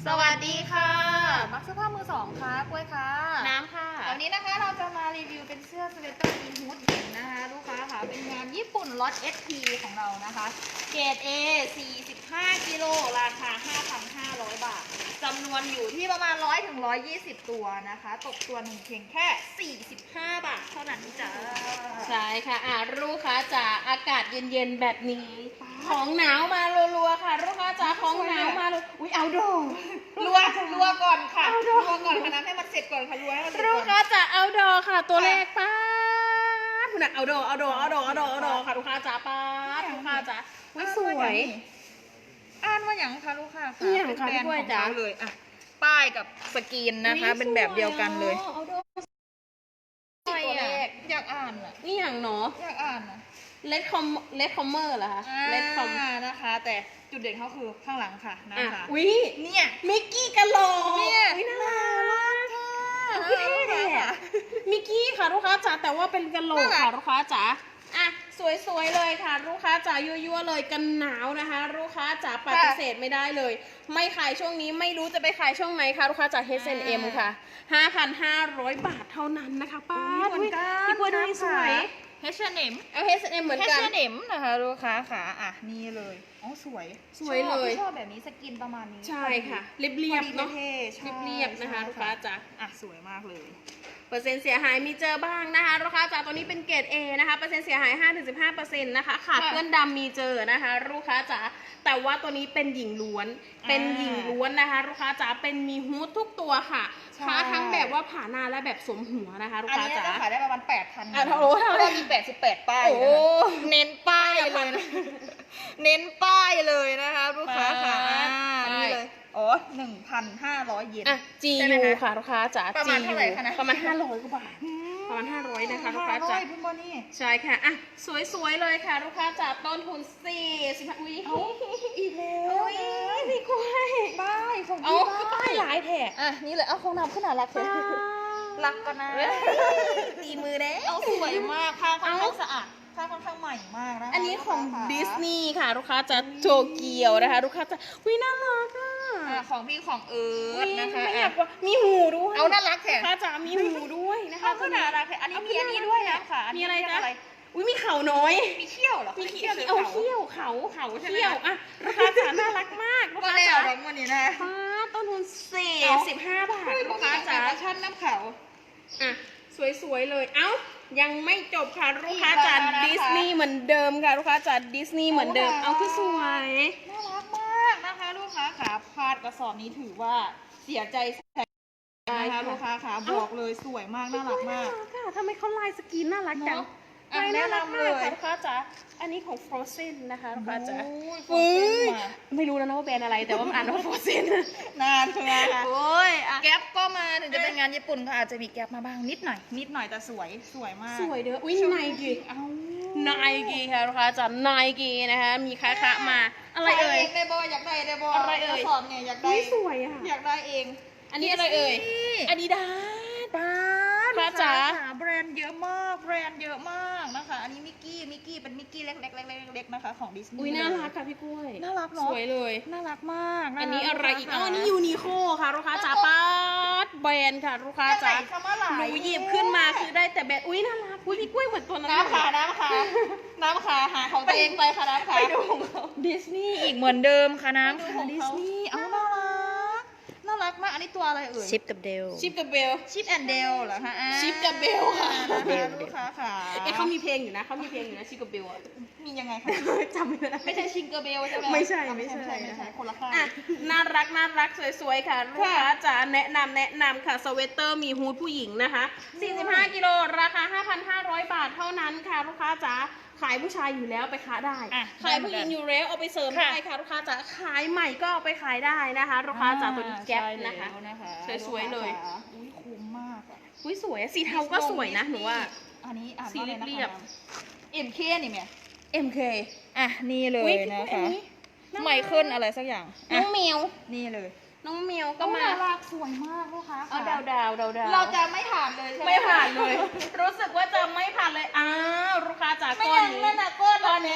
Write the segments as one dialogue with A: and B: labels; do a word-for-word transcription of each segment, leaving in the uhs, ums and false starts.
A: สวัสดีค่ะมักเสื้อผ้ามือสองค่ะกล้วยค่ะ
B: น้ำค่ะ
A: วันนี้นะคะเราจะมารีวิวเป็นเสื้อสเวตเตอร์อีฮูดหญิงนะคะลูกค้าค่ะเป็นงานญี่ปุ่นล็อต เอส พี ของเรานะคะเกรด A สี่สิบห้ากิโลราคา ห้าพันห้าร้อย บาทจำนวนอยู่ที่ประมาณ ร้อยถึงร้อยยี่สิบ ตัวนะคะตกตัวหนึ่งเพียงแค่สี่สิบห้าบาทเท่านั้นจ้า
B: ใช่ค่ะอ่ะลูกค้าจ๋าอากาศเย็นๆแบบนี้ของหนาวมารัวๆค่ะลูกค้าจ๋าของหนาวมาอุ้ยเอาดอง
A: รัวรัวก่อนค่ะรัวก่อนค่ะน้ำให้มันเสร็จก่อนค่ะรัวให้มันเสร็จก่อน
B: ลูกค้าจ๋าเอาดอค่ะตัวเลขป้าคุณน่ะเอาดอเอาดอเอาดอเอาดอเอาดอค่ะลูกค้าจ๋าป้าลูกค้าจ๋าสวย
A: อ่านว่าอย่างคะลูกค้าค่ะ
B: อย่างค่ะพี่กล้วยจ๋า
A: เลยอ่ะป้ายกับสกรีนนะคะเป็นแบบเดียวกันเลย
B: เอาดอ
A: ตัวเลขอยากอ่านอ่ะ
B: นี่อย่างเนาะ
A: อยากอ่านอ่ะ
B: เลดคอมเลดคอมเมอร์เหรอคะเลดคอม
A: นะคะแต่จุดเด่นเขาคือข้างหลังค่ะนะคะ
B: อุ้ย
A: เนี่ย
B: มิกกี้กะโหลก
A: เนี่ย
B: น่ารักค่ะเท่มิกกี้ค่ะลูกค้าจ๋าแต่ว่าเป็นกะโหลกค่ะลูกค้าจ๋าอ่ะสวยๆเลยค่ะลูกค้าจ๋ายั่วๆเลยกันหนาวนะคะลูกค้าจ๋าปฏิเสธไม่ได้เลยไม่ขายช่วงนี้ไม่รู้จะไปขายช่วงไหนค่ะลูกค้าจ๋า เอช แอนด์ เอ็ม ค่ะ ห้าพันห้าร้อย บาทเท่านั้นนะคะป้าพี่กล้วยดูสวย
A: เอช แอนด์ เอ็ม
B: เอา เอช แอนด์ เอ็ม เหมือนกัน
A: เอช แอนด์ เอ็ม นะคะลูกค้าค่ะอ่ะนี่เลยอ๋อสวย
B: สวยเลย
A: ชอบแบบนี้สกินประมาณนี้
B: ใช่ค่ะเรียบๆเนาะเรียบๆนะคะลูกค้าจ๋า
A: อ่ะสวยมากเลย
B: เปอร์เซ็นต์เสียหายมีเจอบ้างนะคะลูกค้าจ๋าตัวนี้เป็นเกรด A นะคะเปอร์เซ็นต์เสียหาย ห้าถึงสิบห้าเปอร์เซ็นต์ นะคะขาดเพื่อนดำมีเจอนะคะลูกค้าจ๋าแต่ว่าตัวนี้เป็นหญิงล้วนเป็นหญิงล้วนนะคะลูกค้าจ๋าเป็นมีฮูดทุกตัวค่ะค้าทั้งแบบว่าผ่าหน้าและแบบสวมหัวนะคะลูกค้าจ๋า
A: อันนี้จะขายได้ประมาณ แปดพัน
B: อ่ะโอ้เท่าไหร่
A: มีแปดสิบแปดป้ายเน้นป้ายเลยเน้นป้ายเลยนะคะลูกค้าค่ะนี่เลยอ๋อ หนึ่งพันห้าร้อย เยน
B: อ่ะ จี ยู ค่ะลูกค้าจ๋า
A: ประมาณเท่าไหร่คะนะ
B: ประมาณห้าร้อยกว่าบาทประมาณห้าร้อยนะคะลูกค้าจ๋าใช่ค่ะอ่ะสวยๆเลยค่ะลูกค้าจ๋าต้นทุนสี่สิบอุ้ย
A: อีกแล้ว
B: พี่กล้วย
A: ป้ายของ
B: พี่
A: ป้าย
B: หลายแถบ
A: อ่ะนี่เลยเอาของน้ำขึ้นหนารักเลยรักกันนะตีมือเด้เอาสวยมากผ้าค่อนข้างสะอาดผ้าค่อนข้างใหม่มากนะ
B: อันนี้ของดิสนีย์ค่ะลูกค้าจ๋าโตเกียวนะคะลูกค้าจ๋าวิน่ารักอ่ะ
A: ของพี่ของเอิร์ธนะคะ
B: ไม่อยากว่ามีหูด้วย
A: เอาน่ารักแถม
B: ลูกค้าจ๋ามีหูด้วยนะคะ
A: ก็น่ารักแถมอันนี้มีอันนี้ด้วยนะค่ะ
B: มีอะไรจ๊ะอุ้ยมีเข่าน้อย
A: มีเขี้ยวเหรอ
B: มีเขี้ยวเอาเขี้ยวเขาเขาเขี้ยวอ่ะราคาจ๋าน่ารักมากลูกค้าจ๋า
A: วันนี้นะ
B: ป้าต้นทุนสี่สิบห้าบาทลูกค้าจ๋า
A: ชั้นน้ำเขา
B: อ่ะสวยๆเลยเอ้ายังไม่จบค่ะลูกค้าจ๋าดิสนีย์เหมือนเดิมค่ะลูกค้าจ๋าดิสนีย์เหมือนเดิมเอาคือสวย
A: น่ารักมากนะคะลูกค้าขาพาดกระสอบนี้ถือว่าเสียใจนะคะลูกค้าขาบอกเลยสวยมากน่ารักมาก
B: ค่ะทำไมเขาลายสกรีนน่ารักจังลายน่ารักเลยลูกค้าจ๋าอันนี้ของ Frozen นะคะลูกค้าจ๋าไม่รู้แล้วนะว่าแบรนด์อะไรแต่ว่าอ่านว่า Frozen
A: นานเชียวค่ะ
B: โอ้ย
A: แก๊ปก็มาถึงจะเป็นงานญี่ปุ่นก็อาจจะมีแก๊ปมาบ้างนิดหน่อยนิดหน่อยแต่สวยสวยมาก
B: สวยเด้ออุ้ยไนกี้เอาไนกี้ค่ะลูกค้าจ๋าไนกี้นะคะมีค้าค้ามาอะไรเอ่ย
A: ได้บออยากได้ได้บอ
B: อะไรเอ่ย
A: สอบไงอยากได้
B: สวยอ่ะ
A: อยากได้เอง
B: อันนี้อะไรเอ่ยอาดิดาส
A: ป้า
B: ป้าจ๋า
A: แบรนด์เยอะมากแบรนด์เยอะมากนะคะอันนี้มิกกี้มิกกี้เป็นมิกกี้เล็กเล็กเล็กเล็กนะคะของดิสนีย์
B: อุ้ยน่ารักค่ะพี่กล้วย
A: น่ารักเนาะ
B: สวยเลย
A: น่ารักมาก
B: อันนี้อะไรอีกอ๋ออันนี้ยูนิโคค่ะลูกค้าจ๋าป้าแบรนด์ค่ะลูกค้าจ๋าหนูหยิบขึ้นมาคือได้แต่แบรนด์อุ้ยน่ารักอุ้ยพี่กล้วยเหมือนตัวนั้น
A: น้ำขาน้ำขาน้ำขาหาของตัวเองไปค่ะน้ำขา
B: ไปดู
A: ดิสนีย์อีกเหมือนเดิมค่ะน้ำขาดิสนีย์เอาน่ารักน่ารักมากอันนี้ตัวอะไรเอ่ย
C: ชิปกับเดล
B: ชิปกับเบล
A: ชิปแอนเดลเหรอคะ
B: ชิปกับเบลค่ะ
A: ลูกค้าค่ะ
B: เอ๊ะเขามีเพลงอยู่นะเขามีเพลงอยู่นะชิปกับเบลอ่ะ
A: มียังไงคะ
B: จำไม่ได้
A: ไม่ใช่ชิงเกอร์เบลใช่ไหม
B: ไม่ใช่ไม่ใช่
A: ไม่ใช่คนละค่าย
B: น่ารักน่ารักสวยๆค่ะลูกค้าจ๋าแนะนำแนะนำค่ะสเวตเตอร์มีฮูดผู้หญิงนะคะสี่สิบห้ากิโลราคา ห้าพันห้าร้อย บาทเท่านั้นค่ะลูกค้าจ๋าขายผู้ชายอยู่แล้วไปค้าได้ขายผู้หญิงอยู่แล้วเอาไปเสริมได้ค่ะลูกค้าจ๋าขายใหม่ก็เอาไปขายได้นะคะลูกค้าจ๋าตัวนี้แก๊ปนะคะสวยๆเลย
A: อุ้ยคุ้มมากอ่ะ
B: อุ้ยสวยสีเทาก็สวยนะหนูว่า
A: อันนี้อ่าน
B: สีเรียบ
A: เอ็ม เค นี่ไหม
B: เอ็ม เค
A: อ่ะนี่เลยนะคะไมเคิลอะไรสักอย่าง
B: น้องเมียว
A: นี่เลย
B: น้องเมียวก็มา
A: น่ารักสวยมากลูกค้า
B: เอาดาวดาวดาวดาว
A: เราจะไม่ผ่านเลยใช่ไหม
B: ไม่ผ่านเลยรู้สึกว่าจะไม่ผ่านเลยอ้าวลูกค้าจ๋าก้อนนี้
A: นั่นน่ะก้อน
B: ก้อนนี้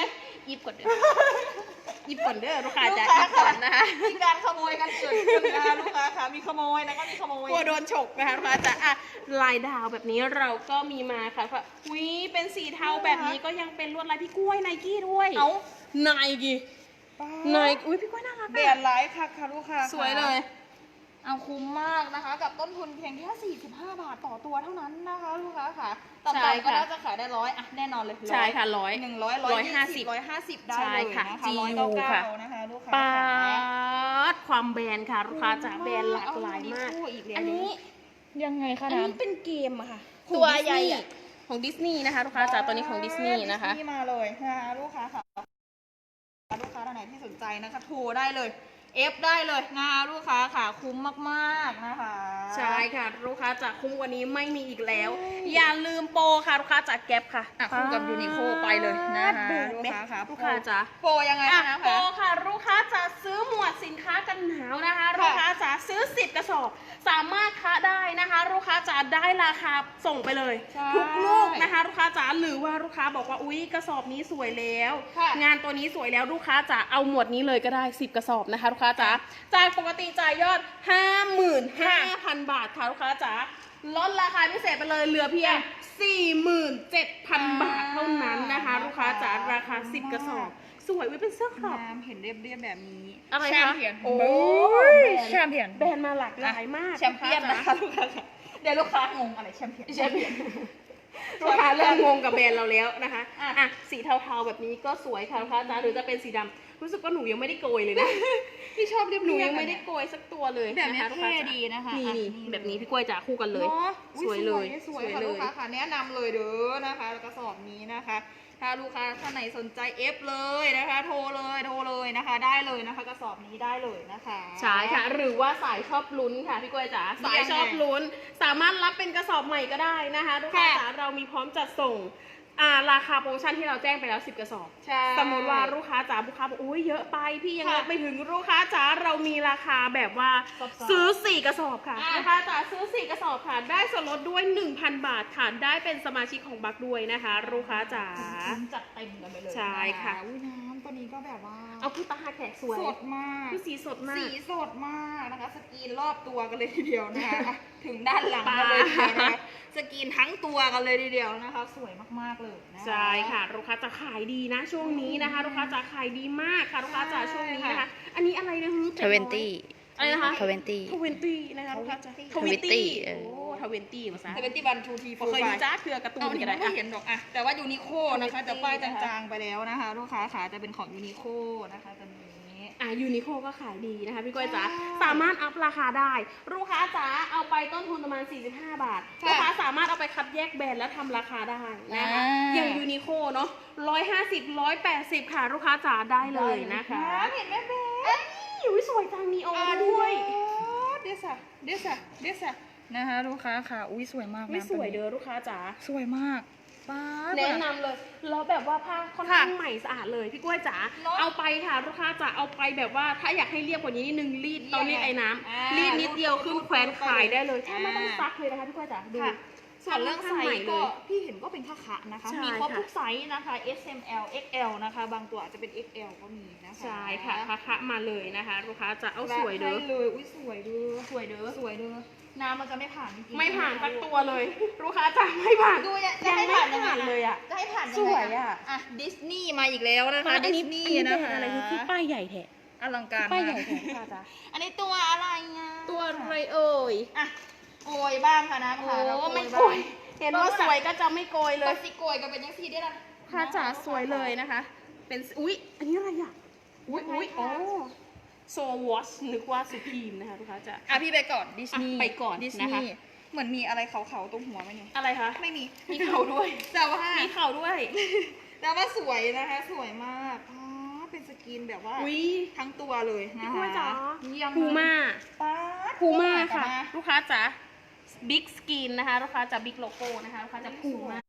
B: ยิบก่อนเด้อยิบก่อนเด้อลูกค้า
A: ลูก
B: จ๋า
A: ค้า
B: ยิบก่อนนะคะ
A: มีการขโมยกันเกิดขึ้นนะคะลูกค้าค่ะมีขโมยนะคะมีขโมย
B: กลัวโดนฉกนะคะลูกค้าจ๋าอ่ะลายดาวแบบนี้เราก็มีมาค่ะว่าอุ้ยเป็นสีเทาแบบนี้ก็ยังเป็นลวดลายพี่กล้วยไนกี้ด้วย
A: เอา
B: ไนกี้ไนกี้อุ้ยพี่กล้วยน่ารัก
A: แบรนด์ไลฟ์ค่ะค่ะลูกค้า
B: สวยเลย
A: เอาคุ้มมากนะคะ กับต้นทุนเพียงแค่สี่สิบห้าบาทต่อตัวเท่านั้นนะคะลูกค้าค่ะต่ำๆก็น่าจะขายได้ร้อยอ่ะแน่นอนเลย
B: ใช่ค่ะร้อย
A: หนึ่งร้อยร้อยห้าสิบร้อยห้าสิบได้เลยนะคะ
B: ใช่
A: ร้อย
B: ค่ะ
A: เก้าเก้า
B: ค่ะ
A: นะคะลูกค้า
B: ปา
A: ค่ะ
B: ดความแบรนด์ค่ะลูกค้าจ๋าแบรนด์หลากหลายมาก
A: เออีกแล้ว
B: อันนี้
A: ยังไงคะ
B: อัน
A: นะ
B: นี้เป็นเกมอะค่ะ
A: ตัวใหญ่อะ
B: ของดิสนีย์นะคะลูกค้าจ๋าตัวนี้ของดิสนีย์นะคะ
A: ดิสนีย์มาเลยนะคะลูกค้าค่ะลูกค้าท่านไหนที่สนใจนะคะโทรได้เลยเอฟได้เลยนะคะลูกค้าค่ะคุ้มมากๆนะคะ
B: ใช่ค่ะลูกค้าจากคุ้มวันนี้ไม่มีอีกแล้ว อย่าลืมโปรค่ะลูกค้าจากแก๊ปค่ะ
A: อ่ะคู่กับยูนิโคไปเลยนะคะ
B: แบก
A: ลูก
B: ไหม
A: ค้าค่ะ
B: ลูกค้าจ๋า
A: โปรยังไง
B: อ่ะ
A: นะ
B: โปร
A: คะ
B: ค่ะลูกค้าจะซื้อหมวดสินค้ากันหนาวนะคะลูกค้าจะซื้อสิบกระสอบสามารถค้าได้นะคะลูกค้าจะได้ราคาส่งไปเลย
A: ใช่
B: ทุกลูกนะคะลูกค้าจ๋าหรือว่าลูกค้าบอกว่าอุ๊ยกระสอบนี้สวยแล้ว
A: ค่ะ
B: งานตัวนี้สวยแล้วลูกค้าจ๋าเอาหมวดนี้เลยก็ได้สิบกระสอบนะคะลูกค้าจ๋าจากปกติจ่ายยอด ห้าหมื่นห้าพัน บาทค่ะลูกค้าจ๋าลดราคาพิเศษไปเลยเหลือเพียง สี่หมื่นเจ็ดพัน บาทเท่านั้นนะคะลูกค้าจ๋าราคาสิบกระสอบสวยไว้เป็นเสื้อครอบ
A: น้ำเห็นเรียบๆแบบนี้
B: อะไร
A: แช
B: คะ
A: มเปี้ยน
B: โอ้ย
A: แชมเปี้ยน
B: แบรนด์มาหลากหลายมาก
A: แชมเปี้ยนนะคะลูกค้าค่ะเดี๋ยวลูกค้างงอะไรแชมเปี้ยน
B: แชมเปี้ยนลูกค้าเริ่มงงกับแบรนด์เราแล้วนะคะ
A: อ่ะ
B: อ่ะสีเทาๆแบบนี้ก็สวยค่ะลูกค้าจ๋าหรือจะเป็นสีดำรู้สึกว่าหนูยังไม่ได้โกยเลยนะ
A: พี่ชอบเรียบๆ
B: หนูยังไม่ได้โกยสักตัวเลย
A: แบบ
B: นะ
A: นี้
B: คะลูกค้า
A: เท่
B: จ๋า
A: ดีนะคะ
B: นี่
A: อ่ะ
B: นี่แบบนี้พี่กล้วยจ๋าคู่กันเลย
A: เนาะ
B: สวยเลย
A: สวย
B: สวย
A: ค่ะ
B: เลย
A: ลูกค้าค่ะแนะนำเลยเด้อนะคะแล้วกระสอบนี้นะคะ ถ้าลูกค้าท่านไหนสนใจเอฟเลยนะคะ โทรเลยโทรเลยนะคะ ได้เลยนะคะ กระสอบนี้ได้เลยนะคะ
B: ใช่ค่ะ หรือว่าสายชอบลุ้นค่ะพี่กล้วยจ๋าสายชอบลุ้น สามารถรับเป็นกระสอบใหม่ก็ได้นะคะลูกค้าจ๋าเรามีพร้อมจัดส่งอ่าราคาโปรโมชั่นที่เราแจ้งไปแล้วสิบกระสอบ
A: ใช่
B: สมมติว่าลูกค้าจ๋าลูกค้าบอกอุ้ยเยอะไปพี่ยัง
A: ค่ะ
B: รับไม่ถึงลูกค้าจ๋าเรามีราคาแบบว่า
A: ซอฟต์ๆ
B: ซื้อสี่กระสอบค่ะ
A: อ่ะ
B: ลูกค้าจ๋าซื้อสี่กระสอบค่ะได้ส่วนลดด้วย หนึ่งพัน บาทค่ะได้เป็นสมาชิกของบัคด้วยนะคะลูกค้าจ๋า
A: จัดเต็มกันไปเลย
B: ใช่ค่ะ
A: อุ้ยน้ำตัวนี้ก็แบบว่า
B: เอาผู้ตาแขกสวย
A: สดมาก
B: คือสีสดมาก
A: สีสดมากนะคะ สกรีนรอบตัวกันเลยทีเดียวนะคะอ่ะถึงด้านหลังกันเลยทีเดียวนะคะสกรีนทั้งตัวกันเลยทีเดียวนะคะ สวยมากๆเลยนะคะ
B: ใช่ค่ะลูกค้าจะขายดีนะช่วงนี้นะคะลูกค้าจะขายดีมากค่ะลูกค้าจะช่วงนี้นะคะ อันนี้อะไรนะฮึ
C: ทเวนตี้
B: อะไรนะคะ
C: ทเวนตี้
B: ทเวนตี้นะคะลูกค้าจะ
C: ทเวนตี้เออ
B: โอ้ทเวนตี้ภาษา
A: เซเวนตี้บันทูที
B: เคยดูจ้าเถื่อการ์ตู
A: เอา
B: น
A: หนิ
B: กันได้
A: ไม่
B: อะ
A: เห็นหรอกอะแต่ว่ายูนิโคนะคะ
B: Twenty
A: จะป้าย
B: นะคะ
A: จางๆไปแล้วนะคะ ลูกค้าขาจะเป็นของยูนิโคนะคะตัวนี้
B: อ่ะยูนิโคก็ขายดีนะคะพี่ก้อยจ๋า
A: ใช่
B: สามารถอัพราคาได้ลูกค้าจ๋าเอาไปต้นทุนประมาณสี่สิบห้าบาท
A: ค่ะ
B: ลูกค้าสามารถเอาไปคัดแยกแบรนด์แล้วทำราคาได้นะคะ
A: อ่า
B: อย่างยูนิโคเนาะร้อยห้าสิบร้อยแปดสิบค่ะลูกค้าจ๋าได้เลยนะคะ
A: เห็นไหมเบ๊
B: เอ้ยอุ๊ยสวยจังนีโอ
A: อ่า
B: ด้วย
A: เดซะเดซะเดซะนะคะลูกค้าค่ะอุ้ยสวยมากนะ
B: ไม่สวย
A: ตัว
B: เด้
A: นี้
B: อลูกค้าจ๋า
A: สวยมากป้าด
B: แนะนำเลยแล้วแบบว่าผ้าค่อนข้าง
A: ค่ะ
B: ใหม่สะอาดเลยพี่กล้วยจ๋า
A: เนอะ
B: เอาไปค่ะลูกค้าจ๋าเอาไปแบบว่าถ้าอยากให้เรียบกว่านี้นิดนึงรีด
A: เรียบ
B: ตอนรีดไอ้น้
A: อ่า
B: ำรีดนิดเดียวขึ้นแขวนขายได้เลย
A: อ่า
B: แทบไม่ต้องซักเลยนะคะพี่กล้วยจ๋าดู
A: ค่ะส่วนเรื่องไซ
B: ค่นข้าใหม่
A: ส์
B: เล
A: ก็
B: ย
A: พี่เห็นก็เป็นค่าคะนะคะ
B: ใช่
A: มีครบ
B: ค่ะ
A: ทุกไซส์นะคะ เอส เอ็ม แอล เอ็กซ์ แอล นะคะ บางตัวอาจจะเป็น เอ็กซ์ แอล ก็มีนะคะ
B: ใช่ค่ะคะคะมาเลยนะคะลูกค้าจะเอาสวยเด้อ
A: ให้เลยอุ้ยสวยเด้อสวยเด้อสวยเด้อน้ำมันจะไม่ผ่านจริงๆ
B: ไม่ผ่านสักตัวเลยลูกค้าจ๋าไม่ผ่าน
A: ดูเนี่ยจะ
B: ยัง
A: ให้
B: ไม่
A: ผ่านยังไง
B: ผ่านเลยอ่ะ
A: จะให้ผ่านยังไง
B: สวยอะ
A: อ่ะดิสนีย์มาอีกแล้วนะคะ
B: อัน
A: ดิ
B: นี้
A: สนีย์
B: อันนี้
A: นะ
B: เป็น
A: คะ
B: อะไรคือป้ายใหญ่แท้
A: อลังการ
B: ป้าย
A: มาก
B: ใหญ่แท้ค่ะจ๋า
A: อันนี้ตัวอะไรอ่ะ
B: ตัวอะไรเอ่ย
A: อ่ะโกยบ้างค่ะนะ
B: โอ้
A: ค่ะเรา
B: ไม่
A: โก
B: โก
A: ย
B: ย
A: บ้าง
B: เห็นว่าสวยก็จะไม่โกยเล
A: ก็
B: ย
A: สิโกยก็เป็นยังสี่ได้ละ
B: ค่ะจ๋าสวยเลยนะคะ เป็นอุ๊ยอันนี้อะไรอ่ะอุ๊ยอุ๊ยโอ้โซวอชนึกว่าสุพีมนะคะลูกค้าจ๋า
A: อ่ะพี่ไปก่อนดิสนีย์
B: อ่ะไปก่อน
A: ดิส
B: นะ
A: นี
B: คะ
A: ย์เหมือนมีอะไรเขาเขาๆตรงหัวไหมเนี่ย
B: อะไรคะ
A: ไม่มี
B: มีเข่าด้วย
A: แต่ว่า
B: มีเข่าด้วย
A: แต่ว่าสวยนะคะ สวยมากอ๋อเป็นสกรีนแบบว่า
B: อุ๊ย
A: ทั้งตัวเลยนะ
B: พี่
A: คะ
B: กล้วยจ๋า
A: เยี่ยม
B: พูม่า
A: ป้าด
B: พูม่าค่ะ
A: มา
B: ลูกค้าจ๋าบิ๊กสกรีนนะคะลูกค้าจ๋าบิ๊กโลโก้นะคะลูกค้าจะพูม่า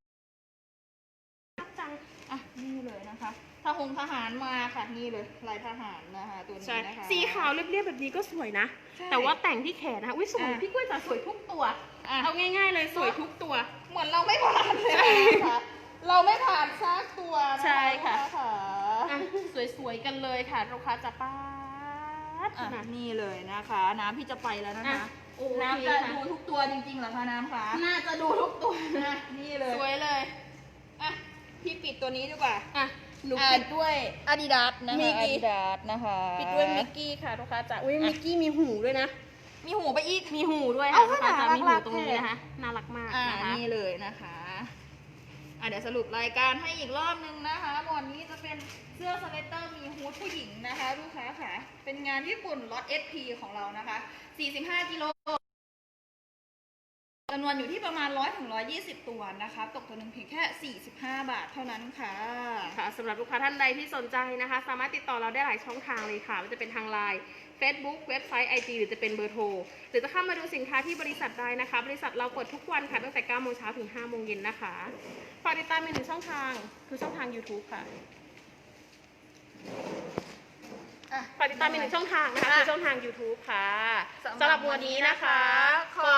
B: จัง
A: อ่ะนี่เลยนะคะทหงทหารมาค่ะนี่เลยลายทหารนะคะตัวนี้
B: ใช่
A: นะคะ
B: สีขาวเรียบๆแบบนี้ก็สวยนะ
A: ใช่
B: แต่ว่าแต่งที่แขนนะคะอุ้ยสวย
A: อ่ะ
B: พี่กล้วยจ๋าสวยทุกตัว
A: อ่ะ
B: เอาง่ายๆเลยสวยทุกตัว
A: เหมือนเราไม่ผ่านเลยนะคะเราไม่ผ่านซากตัวนะ
B: ใช่ค่ะ
A: ลูกค้า
B: อ่ะสวยๆกันเลยค่ะลูกค้าจะป้าด
A: อ่ะ
B: นะ
A: นี่เลยนะคะ น้ำพี่จะไปแล้วนะคะ
B: อ่ะโอเค
A: น้ำจะ
B: ค่ะ
A: ดูทุกตัวจริงๆเหรอคะน้ำคะ
B: น่าจะดูทุกตัว
A: อ่ะนี่เลย
B: สวยเลย
A: อ่ะพี่ปิดตัวนี้ดีกว่า
B: อ่ะหนู
A: อ่ะ
B: ปิดด้วย
A: อาดิดาสนะ
B: มิ
A: คะ
B: กกี้
A: อาดิดาสนะคะ
B: ปิดด้วยมิกกี้ค่ะลูกค้าจ๋าอุ้ยมิกกี้มีหูด้วยนะ
A: มีหูไปอีก
B: มีหูด้วย
A: เอา
B: ค่ะลูกค้าจ๋า
A: น่ารัก
B: มีหูตรงนี้
A: แท้
B: นะคะน่ารักมาก
A: อ่า
B: นะคะ
A: นี่เลยนะคะอ่ะเดี๋ยวสรุปรายการให้อีกรอบนึงนะคะหมวดนี้จะเป็นเสื้อสเวตเตอร์มีฮูดผู้หญิงนะคะลูกค้าค่ะเป็นงานญี่ปุ่นล็อต เอส พี ของเรานะคะสี่สิบห้ากิโลจำนวนอยู่ที่ประมาณร้อยถึงร้อยยี่สิบตัวนะคะตกตัวหนึ่งเพียงแค่สี่สิบห้าบาทเท่านั้นค่ะ
B: ค่ะสำหรับลูกค้าท่านใดที่สนใจนะคะ สามารถติดต่อเราได้หลายช่องทางเลยค่ะไม่ว่าจะเป็นทางไลน์ Facebook เว็บไซต์ ไอ จี หรือจะเป็นเบอร์โทรหรือจะเข้ามาดูสินค้าที่บริษัทได้นะคะ บริษัทเราเปิดทุกวันค่ะตั้งแต่เก้าโมงเช้าถึงห้าโมงเย็นนะคะฝากติดตามอีกหนึ่งช่องทางคือช่องทาง YouTube ค่ะ
A: อ่ะ
B: ฝากติดตามอีกหนึ่งช่องทางนะคะคือช่องทาง YouTube ค่ะ
A: สำหรับ
B: สำหรับวันนี้นะคะ
A: ขอบ